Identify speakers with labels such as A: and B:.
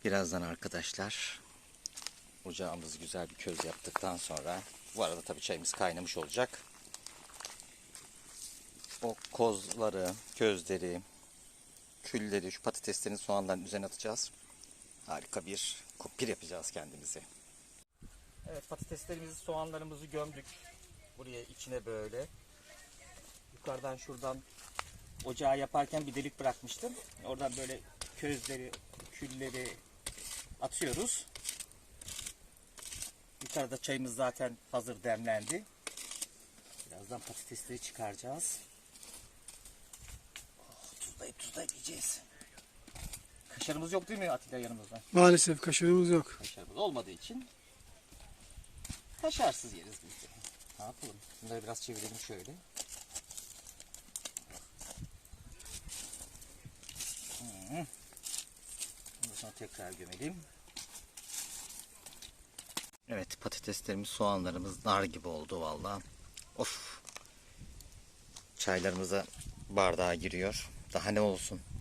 A: Birazdan arkadaşlar ocağımızı güzel bir köz yaptıktan sonra, bu arada tabii çayımız kaynamış olacak. O kozları, közleri, külleri, şu patateslerin, soğanların üzerine atacağız. Harika bir kumpir yapacağız kendimize. Evet, patateslerimizi, soğanlarımızı gömdük. Buraya içine böyle. Yukarıdan şuradan ocağı yaparken bir delik bırakmıştım. Oradan böyle közleri, külleri atıyoruz. Yukarıda çayımız zaten hazır demlendi. Birazdan patatesleri çıkaracağız. Tuzlayıp yiyeceğiz. Kaşarımız yok değil mi Atilla yanımızda?
B: Maalesef kaşarımız yok.
A: Kaşarımız olmadığı için kaşarsız yeriz biz de. Ne yapalım? Bunları biraz çevirelim şöyle. Ondan sonra tekrar gömelim. Evet, patateslerimiz, soğanlarımız nar gibi oldu vallahi. Of. Çaylarımıza bardağa giriyor. Daha ne olsun?